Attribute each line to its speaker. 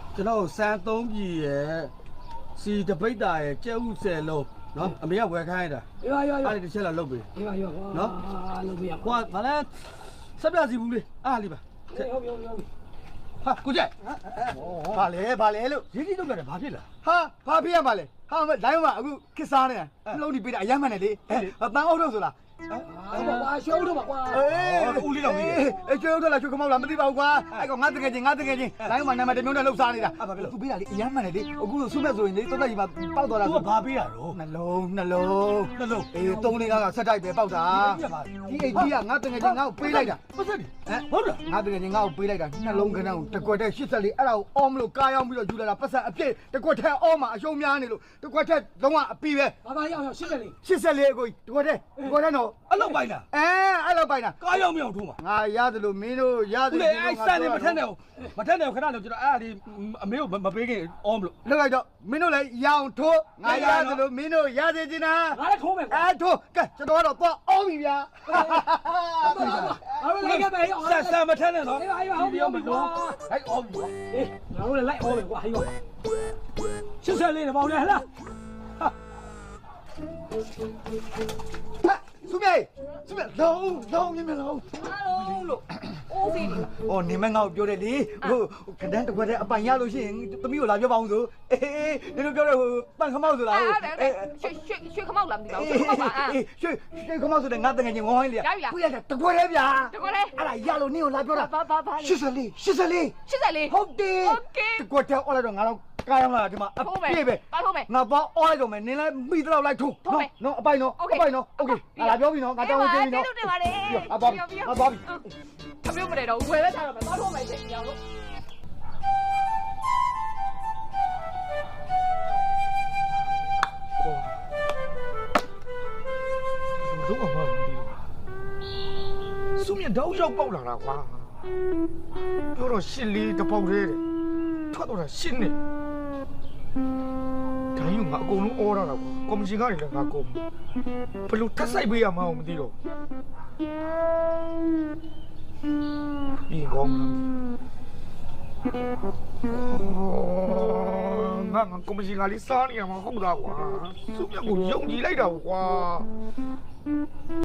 Speaker 1: ကျွန်တော်စမ်း3ပြည်ရဲ့စီတပိတ်တာရဲ့ကျဲဥ10လုံးနော်အမေကဝယ်ခိုင်းတာ
Speaker 2: ရော
Speaker 1: အဲ့ဒီတစ်ချက်လာလုပ်ပေး
Speaker 2: ရောနော်လုပ်ပြရ
Speaker 1: ဟိုကဘာလဲဆက်ပြစီဘူးလေအားလေးပါ
Speaker 2: ဟုတ်
Speaker 1: ဟာကိုကြိုက်
Speaker 3: ဘာလဲလို့
Speaker 1: ရင်းကြီးလုပ်ရတယ်ဘာဖြစ်လဲ
Speaker 3: ဟာဘာဖြစ်ရမှာလဲဟာမလိုင်းမှာအခုခစ်စားနေတာလုံးဒီပေးတာအယမ်းမှန်တယ်လေတန်အုပ်တော့ဆိုလား
Speaker 2: ကွာရှုံးတော့ပါကွာ
Speaker 1: ဦးလေးတော်ကြီး
Speaker 3: အေးကျွေးတော့လားကျွေးကမောက်လားမသိပါဘူးကွာအဲ့ကောင်ငါတကယ်ချင်းလိုင်းမှာနာမည်တစ်မျိုးနဲ့လှုပ်ရှားနေတာသူပေးတာလေအယမ်းမှန်တယ်လေအခုဆုမဲ့ဆိုရင်လေတော်တော်ကြီးမှာပေါက်သွားတာ
Speaker 1: သူကဘာပေးတာတော့
Speaker 3: နှလုံးအေး3-4 5ကဆက်တိုက်ပဲပေါက်တာဒီအိတ်ကြီးကငါတကယ်ချင်းငါ့ကိုပေးလိုက်တာ
Speaker 1: ပတ်စက်ဟုတ်လား
Speaker 3: ငါတကယ်ချင်းငါ့ကိုပေးလိုက်တာနှလုံးခဏကိုတကွက်တဲ့84အဲ့ဒါကိုအောမလို့ကားရောက်ပြီးတော့ယူလာတာပတ်စံအပြည့်တကွက်ထဲအောမှာအရှုံးများနေလို့တကွက်ထဲလုံးဝအပီးပဲ
Speaker 2: ဘာရောက်ရှင်းတယ်လေ
Speaker 3: 84ကိုတကွက်ထဲတော့
Speaker 1: အဲ့လောက်ပိုင်းလား
Speaker 3: အဲ့လောက်ပိုင်တာ
Speaker 1: ကားရောက်မရောက်ထိုးမှာ
Speaker 3: ငါရတယ်လို့မင်းတို့ရတ
Speaker 1: ဦး
Speaker 3: ယ်
Speaker 1: လေးအဲ့စံနေမထက်နဲ့ခဏလို့ကျွန်တော်အဲ့ဒါဒီအမေကိုမပေးခင်အောမလို့
Speaker 3: လောက်လိုက်တော့မင်းတို့လည်းရအောင်ထိုးငါရတယ်လို့မင်းတို့ရသေးချင်တာ
Speaker 2: ငါလည်းထိုးမယ်ကွာ
Speaker 3: ထိုးကဲကျွန်တော်ကတော့သွားအောင်ပြီဗျာ
Speaker 2: ငါတို့လည်းလိုက်ခဲ့မယ်ရော
Speaker 1: စံမထက်နဲ့နော်
Speaker 2: ဟုတ်ပြီ
Speaker 1: ဟဲ့အောပြီ
Speaker 2: အေးငါတို့လည်းလိုက်အောင်မယ်ကွာဟေးရော84နဲ့ပေါင်းတယ်ဟလား
Speaker 3: ဆုမြေလုံးမြင်လုံး
Speaker 4: အားလုံးလို့အိုးစီနေ
Speaker 3: အော်နေမငါ့ကိုပြောတယ်လေဟိုခဒန်းတစ်ခွက်တည်းအပိုင်ရလို့ရှိရင်သမီးကိုလာပြောပါအောင်ဆိုအေးဒီလိုပြောတော့ဟိုပန့်ခမောက်ဆိုလား
Speaker 4: ရွှေခမောက်လာမသိပါဘူးရွှေခမောက်ပါ
Speaker 3: ရွှေခမောက်ဆိုတဲ့ငါတငယ်ချင်းဝိုင်းလေပြလိုက်တာတစ်ခွက်တည်းဗျာ
Speaker 4: တကွက်လေ
Speaker 3: အဲ့ဒါရလို့နင်းကိုလာပြောတာ
Speaker 4: ဘာလေ
Speaker 3: 84ဟုတ်တယ်တစ်ခွက်တည်းအော်လိုက်တော့ငါတော့ကားရောက်လာဒီမှာအပြည့်ပဲ
Speaker 4: ပါထိုးမယ်
Speaker 3: ငါပေါ့အော်လိုက်တော့မယ်နင်းလည်းမိတော့လိုက်ထိုးနော်အပိုင်နော်โอเคငါပြောပြီနော်ငါတောင်းပေးပြီနော်
Speaker 4: တင်ပါလေ
Speaker 3: အသွားပြီ
Speaker 4: အပြုတ်မနေတော့ဝယ်ပဲထားတော့မယ်ပါထိုးမယ်ရှင်ရောလို့
Speaker 5: လုံးဝမဟုတ်ဘူးစုမြတောက်ရောက်ပေါက်လာတာကွာပြောတော့ရှစ်လေးတစ်ပေါက်တည်းထွက်တော့တာရှင်းနေဒါယူငါအကုန်လုံးအော်ရတာကွာကော်မရှင်ကနေလည်းငါကုန်ဘလို့တက်ဆိုင်ပေးရမှာမသိတော့ပြီးကောင်းလားငါကော်မရှင်ကလေးစားနေရမှာဟုတ်တာကွာစုမြကိုယုံကြည်လိုက်တာကွာ